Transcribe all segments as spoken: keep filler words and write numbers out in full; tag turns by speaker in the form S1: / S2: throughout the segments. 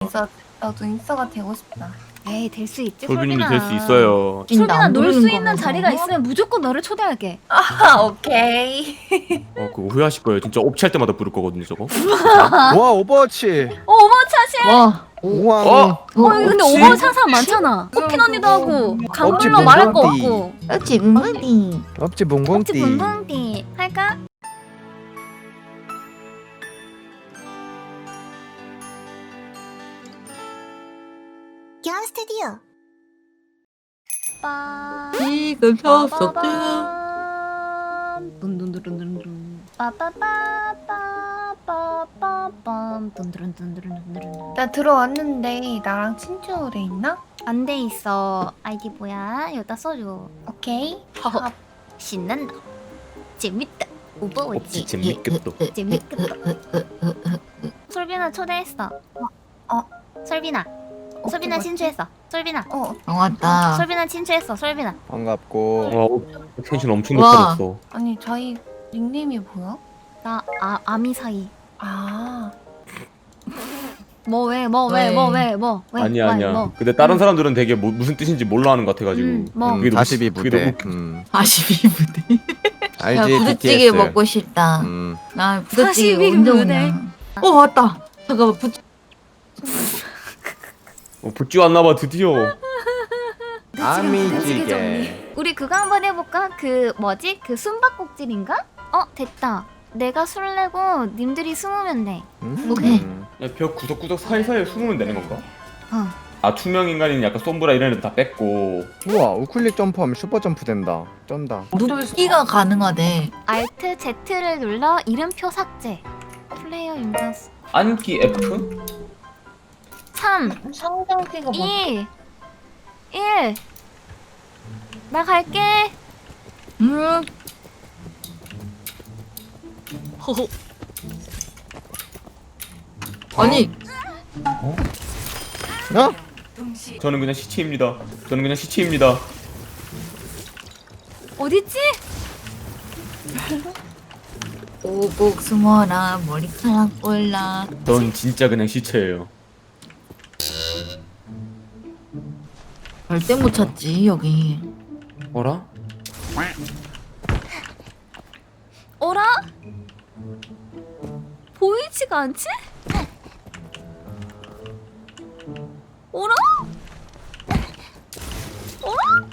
S1: 진짜 나도 인싸가 되고 싶다.
S2: 에이 될 수 있지
S3: 솔빈님도
S2: 솔빈아.
S3: 될 수 있어요.
S2: 솔빈아 놀 수
S1: 모르는
S2: 있는
S1: 거면서.
S2: 자리가 있으면 무조건 너를 초대할게.
S1: 아 오케이.
S3: 어 그거 후회하실 거예요. 진짜 업체할 때마다 부를 거거든요 저거.
S4: 와 오버워치.
S2: 어 오버차시.
S1: 와.
S4: 우왕.
S3: 어?
S2: 어 여기 근데
S3: 혹시?
S2: 오버차시 하는 사람 많잖아. 호핀 언니도 하고 강물로
S4: 없지,
S2: 말할 거
S4: 뭉뭉띠.
S2: 없고.
S1: 그렇지 뭉뭉이.
S4: 없지
S2: 혹시
S4: 붕붕띠.
S2: 붕붕띠 할까?
S5: 기안 스튜디오.
S2: 빠.
S1: 지금
S2: 빠바밤. 둔둔두룬두룬. 빠빠빠빠빠빠빰. 둔두룬둔두룬둔두룬.
S1: 나 들어왔는데 나랑 친추돼 있나?
S2: 안 돼 있어. 아이디 뭐야? 여기다 써줘.
S1: 오케이.
S2: 허허. 신난다. 재밌다.
S3: 업체
S2: 오버워치.
S3: 재밌겠다.
S2: 재밌겠다. 솔빈아 초대했어.
S1: 어.
S2: 솔빈아. 솔빈아
S1: 맞지?
S2: 친추했어. 솔빈아.
S1: 어.
S6: 반갑다.
S2: 솔빈아 친추했어. 솔빈아.
S4: 반갑고.
S3: 와 업- 텐션 엄청
S6: 와.
S3: 높아졌어.
S1: 아니 저희 닉네임이 뭐야?
S2: 나 아, 아미 사이.
S1: 아.
S2: 뭐 왜? 뭐 왜?
S6: 왜?
S2: 뭐 왜? 뭐 왜?
S3: 아니야
S2: 왜?
S3: 아니야.
S2: 뭐.
S3: 근데 다른 사람들은 되게 뭐, 무슨 뜻인지 몰라 하는 것 같아가지고.
S2: 음, 뭐.
S3: 그게 너무-
S4: 사십이
S3: 그게
S4: 부대.
S3: 너무-
S4: 음.
S6: 사십이 부대. 야
S4: 알지
S6: 부대찌개
S4: 비티에스.
S6: 먹고 싶다.
S4: 음.
S6: 나 부대찌개
S2: 사십이
S6: 언제
S2: 부대.
S6: 오냐. 어 왔다. 잠깐만 부.
S3: 어, 붙지 왔나봐 드디어.
S4: 아미찌개.
S2: 우리 그거 한번 해볼까? 그 뭐지? 그 숨바꼭질인가? 어 됐다. 내가 술 내고 님들이 숨으면 돼.
S4: 음.
S6: 오케이.
S3: 야, 벽 구석구석 사이사이에 숨으면 되는 건가?
S2: 어.
S3: 아 투명 인간인 약간 솜브라 이런 애들 다 뺐고.
S4: 우와 우클릭 점프하면 슈퍼 점프 된다. 쩐다.
S6: 눕기가 가능하대.
S2: Alt Z를 눌러 이름표 삭제. 플레이어 인증.
S3: 안기 F?
S2: 삼,
S1: 성장기가 뭐?
S2: 이, 일. 나 갈게.
S6: 음.
S2: 허허.
S6: 아니
S4: 어?
S3: 저는 그냥 시체입니다. 저는 그냥 시체입니다.
S2: 어딨지?
S6: 오곡 숨어라 머리카락 올라.
S3: 전 진짜 그냥 시체예요.
S6: 절대 못 찾지 여기.
S3: 어라?
S2: 어라? 보이지가 않지? 어라? 어라?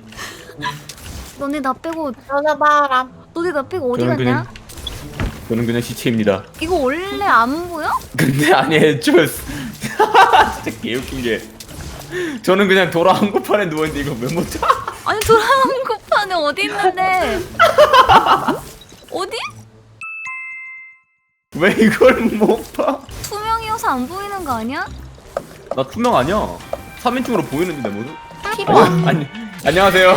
S2: 너네 나 빼고
S1: 전화바람.
S2: 너네 나 빼고 어디
S3: 저는
S2: 갔냐?
S3: 그냥 저는 그냥 시체입니다.
S2: 이거 원래 안 보여?
S3: 근데 아니 애초에 진짜 개웃긴 게 저는 그냥 돌아 한국판에 누워있는데 이거 왜 못 자?
S2: 아니 돌아온 쿠파는 어디 있는데? 어디?
S3: 왜 이걸 못 봐?
S2: 투명이어서 안 보이는 거 아니야?
S3: 나 투명 아니야. 삼 인칭으로 보이는데 내 모습?
S6: 필요 안.
S3: 아니 안녕하세요.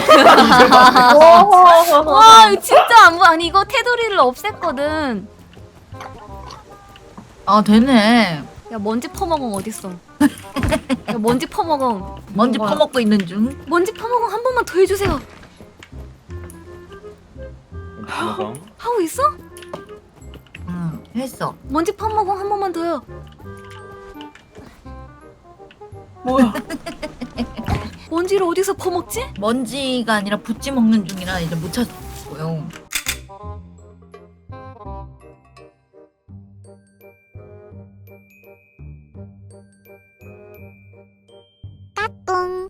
S2: 와 이거 진짜 안 보여. 아니 이거 테두리를 없앴거든.
S6: 아 되네.
S2: 야 먼지 퍼먹엉 어딨어? 야 먼지 퍼먹엉.
S6: 먼지
S1: 뭐야?
S6: 퍼먹고 있는 중.
S2: 먼지 퍼먹엉 한 번만 더 해주세요.
S3: 잠깐만.
S2: 하고 있어?
S6: 응 했어.
S2: 먼지 퍼먹엉 한 번만 더요.
S1: 뭐야?
S2: 먼지를 어디서 퍼먹지?
S6: 먼지가 아니라 부찌 먹는 중이라 이제 못 찾고요.
S5: 뿡.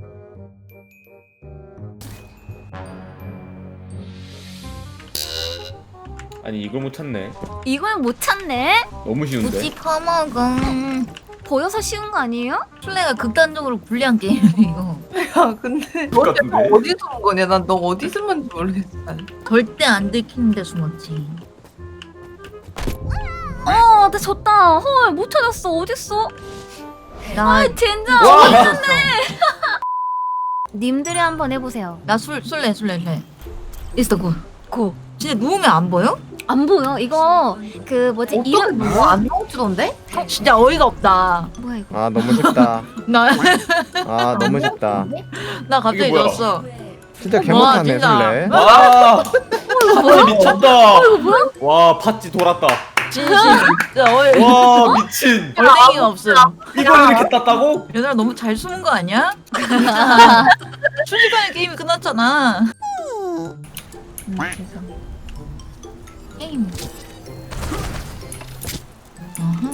S3: 아니 이걸 못 찾네.
S2: 이걸 못 찾네?
S3: 너무 쉬운데.
S6: 부찌 퍼먹어.
S2: 보여서 쉬운 거 아니에요?
S6: 플레이가 극단적으로 불리한 게임이야 이거.
S1: 야 근데 너
S3: 똑같은데?
S1: 내가 어디 숨은 거냐? 난 너 어디 숨은지 모르겠어.
S6: 절대 안 들키는데 숨었지.
S2: 어, 나 졌다. 헐, 못 찾았어. 어딨어?
S6: 나
S2: 아, 젠장.
S3: 와!
S6: 있었어.
S2: 님들이 한번 해보세요.
S6: 나술 술래 술래 술래. 있어 고.
S2: 고.
S6: 진짜 누우면 안 보여?
S2: 안 보여. 이거 그 뭐지?
S1: 어떻게
S2: 이름
S1: 뭐안 나오지던데?
S6: 진짜 어이가 없다.
S2: 뭐야 이거?
S4: 아 너무 쉽다.
S6: 나
S4: 아 너무 쉽다.
S6: 나 갑자기
S3: 이게 뭐야?
S6: 졌어.
S4: 진짜
S6: 와,
S4: 개못하네
S6: 진짜.
S4: 술래.
S3: 와.
S2: 이거 뭐야?
S3: 미쳤다.
S2: 이거 뭐야?
S3: 와 팥지 돌았다.
S6: 진심. 진짜 얼
S3: 와 미친.
S6: 얼랭이가 없어.
S3: 이걸 이렇게 땄다고?
S6: 얘들아 너무 잘 숨은 거 아니야? 진짜. 순식간에 게임이 끝났잖아. 음, 세상. 게임. 어흥.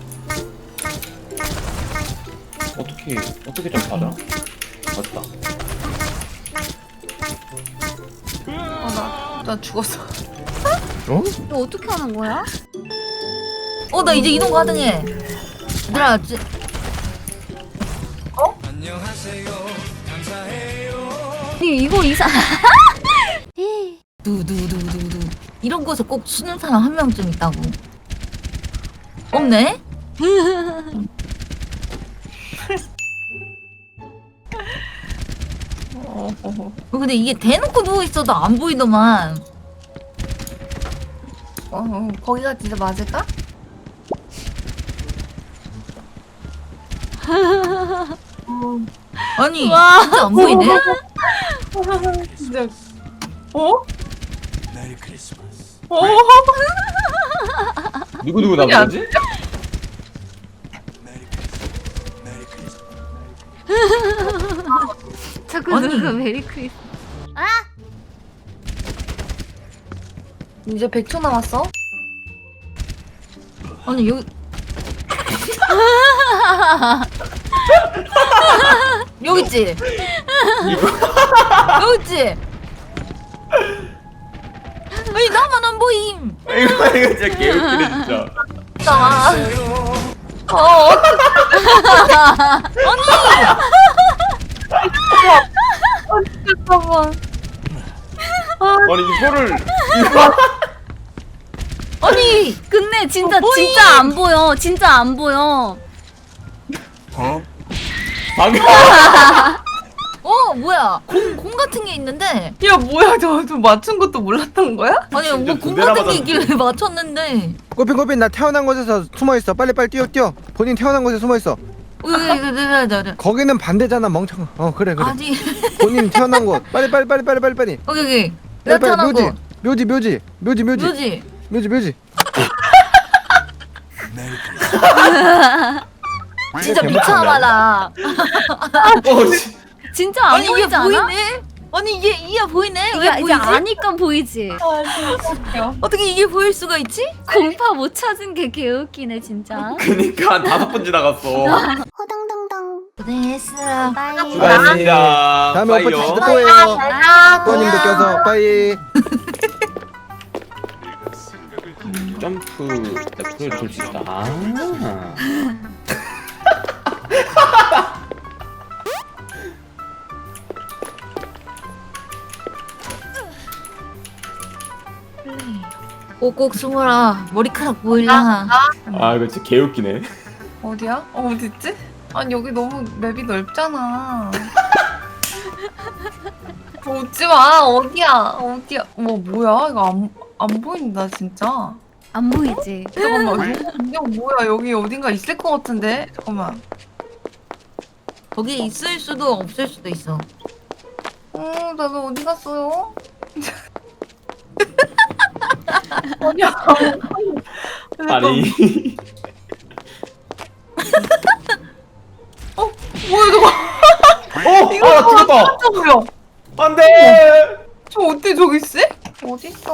S3: 어떻게 어떻게 좀 받아? 맞다.
S1: 아, 나, 나 죽었어.
S4: 어?
S2: 이거 어떻게 하는 거야?
S6: 어, 나 이제 이동 가능해. 얘들아, 지...
S2: 아니 이거 이상.
S6: 두두두두두. 이런 곳에 꼭 수는 사람 한 명쯤 있다고. 없네?
S1: 어, 어, 어.
S6: 어, 근데 이게 대놓고 누워 있어도 안 보이더만.
S1: 어, 거기가 진짜 맞을까?
S6: 아니,
S2: 와.
S6: 진짜 안 보이네?
S1: 진짜. 어? 어?
S3: 누구 누구
S1: 아니야.
S3: 나머지?
S2: 자꾸
S6: 아니.
S2: 누가 메리 크리스.
S1: 이제 백 초 남았어?
S6: 아니, 여기. 여기 있지? 여기 있지? 아니, 나만 안 보임.
S3: 이거 이거 진짜 개웃기네 진짜.
S1: 나. 어, 잠깐만.
S3: 아니 이거를 이거
S6: 아니,
S2: 근데 진짜
S6: 어, 보임.
S2: 진짜 안 보여. 진짜 안 보여.
S3: 방금
S6: 어, 뭐야. 공, 공 같은 게 있는데.
S1: 야, 뭐야, 저, 저 맞춘 것도 몰랐던 거야?
S6: 아니,
S3: 진짜
S6: 뭐
S3: 두
S6: 공
S3: 대나
S6: 같은 게
S3: 맞았는데.
S6: 있길래 맞췄는데.
S4: 꼬핀 꼬핀 나 태어난 곳에서 숨어 있어. 빨리 빨리 뛰어 뛰어. 본인 태어난 곳에 숨어 있어.
S6: 여기, 여기, 여기, 여기, 여기.
S4: 거기는 반대잖아 멍청아. 어 그래 그래.
S6: 아니,
S4: 본인 태어난 곳. 빨리 빨리 빨리 빨리 빨리 빨리.
S6: 여기, 여기.
S4: 빨리
S6: 내가
S4: 빨리
S6: 태어난
S4: 묘지.
S6: 거.
S4: 묘지 묘지 묘지 묘지
S6: 뭐지?
S4: 묘지 묘지.
S6: 진짜
S4: 개못
S6: 미쳐봐라.
S3: 어 씨.
S2: 진짜 안
S6: 아니, 이게
S2: 보이지 않아?
S6: 보이네? 아니, 이게, 이게 보이네? 왜
S2: 이게 이제
S6: 보이지?
S2: 아니까 보이지.
S1: 아, 진짜 웃겨.
S6: 어떻게 이게 보일 수가 있지?
S2: 공파 못 찾은 게 개웃기네 진짜.
S3: 그니까 한 다섯 번 지나갔어.
S5: 호당당당.
S6: 고생했어.
S2: 빠이.
S3: 수고하셨습니다.
S4: 다음에 오빠
S3: 빠이요.
S4: 다시 또 해요.
S2: 아,
S4: 또님도 껴서 빠이.
S3: 점프 옆으로 돌 수 있다. 아.
S6: 꼭꼭 숨어라. 머리카락 보일라.
S3: 아 이거 진짜 개웃기네.
S1: 어디야? 어, 어딨지? 아니, 여기 너무 맵이 넓잖아. 오지 마, 어디야? 어디야? 뭐, 뭐야? 이거 안, 안 보인다, 진짜.
S2: 안 보이지.
S1: 잠깐만, 이거 뭐야? 여기 어딘가 있을 것 같은데? 잠깐만.
S6: 거기 있을 수도 없을 수도 있어.
S1: 어, 나도 어디 갔어요? 어디야?
S3: 아니
S1: 어, 뭐야, 저거?
S3: 어!
S1: 이거
S3: 아 죽었다!
S1: 저거요.
S3: 안돼!
S1: 저 어때 저기 있어? 어디 있어?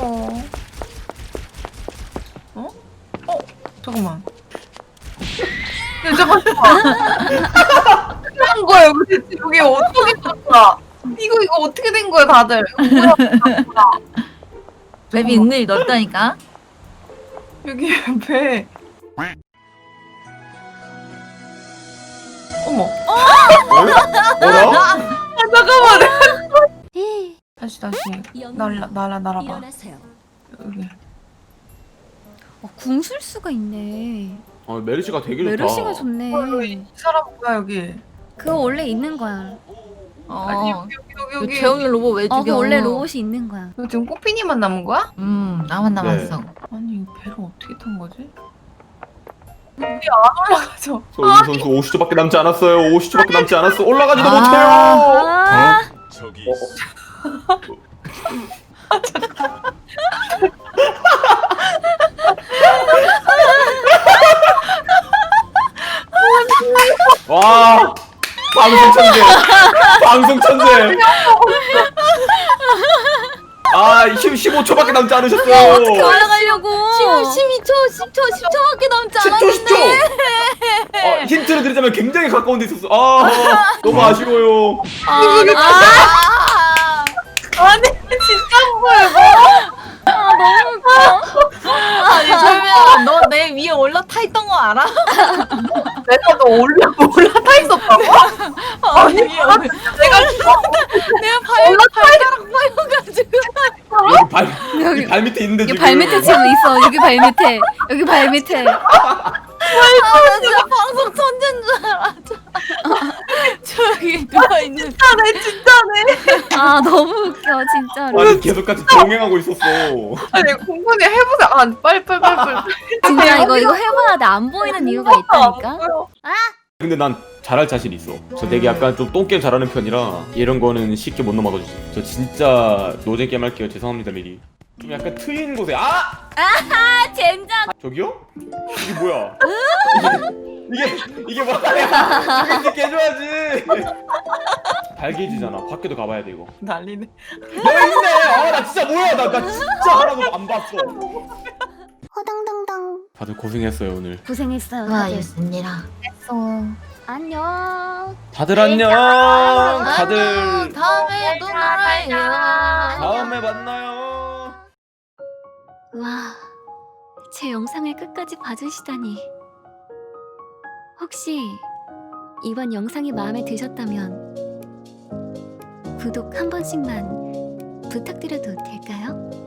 S1: 어? 어? 잠깐만. 야, 잠깐, 잠깐. 한 거야, 여기 대체 여기 어떻게 떴다? 이거 이거 어떻게 된 거야, 다들? 이거 뭐야?
S6: 맵이 은근히 넓다니까.
S1: 여기 배. 어머.
S3: 뭐야?
S1: 아, 잠깐만.
S2: 에이,
S1: 다시 다시 날라 날아 날아봐. 여기.
S2: 어, 궁술 수가 있네.
S3: 어 메르시가 되게 좋다.
S2: 메르시가 좋네.
S1: 어, 여기 이 사람 뭐야 여기?
S2: 그거 원래 있는 거야.
S1: 아니
S6: 어.
S1: 여기 여기
S6: 그
S1: 여기.
S6: 재영이 로봇 왜
S2: 어,
S6: 죽여?
S2: 그 원래 로봇이 있는 거야.
S1: 여기 지금 꽃피니만 남은 거야?
S6: 음, 나만 남았어.
S1: 아니 이 배를 어떻게 탄 거지? 우리 안 올라가죠.
S3: 소유 선수 오십 초밖에 남지 않았어요. 오십 초밖에 남지 않았어. 올라가지도
S6: 아.
S3: 못해요.
S2: 아,
S7: 저기
S3: 어? 와 방송 천재 방송 천재 아 십오 초밖에 남지 않으셨어요.
S2: 어떻게 올라가려고?
S6: 십이 초, 십 초, 십 초밖에 남지
S3: 십 초
S6: 않았는데.
S3: 십 초 어, 힌트를 드리자면 굉장히 가까운 데 있었어. 아 너무 아쉬워요.
S2: 아,
S6: 아,
S1: 아니 진짜 뭐야
S2: 아 너무 웃겨.
S6: 아니 설명 너 내 위에 올라타 있던 거 알아?
S1: 내가 너 올라 올라타 있었다고?
S6: 아니 내가 내가 발 발가락 빠여가지고.
S3: 여기 발
S2: 여기-
S3: 여기 발 밑에 있는데
S2: 여기
S3: 지금
S2: 발 밑에 지금 있어. 여기 발 밑에. 여기 발 밑에.
S6: 아나 진짜 방송 천재인 줄 알아. 저기 누가 있는.
S1: 진짜네 진짜네.
S2: 아 너무 웃겨 진짜로.
S3: 아니 계속 같이 동행하고 있었어.
S1: 아니 공군이 해보세요. 아 빨리 빨리 빨리 빨리.
S2: 진짜 이거 이거 해봐야 돼. 안 보이는 이유가 있다니까.
S3: 근데 난 잘할 자신 있어. 저 되게 약간 좀 똥게임 잘하는 편이라 이런 거는 쉽게 못 넘어가주지. 저 진짜 노잼 게임 할게요. 죄송합니다 미리. 좀 약간 트인 곳에 아!
S2: 아 젠장.
S3: 저기요? 이게 뭐야? 이게 이게 뭐야? 이거 이렇게 해줘야지. 발게이지잖아. 밖에도 가봐야 돼 이거.
S1: 난리네.
S3: 너 있네. 아나 진짜 뭐야? 나 나 진짜 하나도 안 봤어.
S5: 허당당당.
S3: 다들 고생했어요 오늘.
S2: 고생했어요. 다들.
S6: 수고하셨습니다.
S2: 안녕.
S3: 다들 안녕. 다들
S6: 안녕, 다음에 또 놀아요.
S3: 다음에 만나요.
S2: 와, 제 영상을 끝까지 봐주시다니. 혹시 이번 영상이 마음에 드셨다면 구독 한 번씩만 부탁드려도 될까요?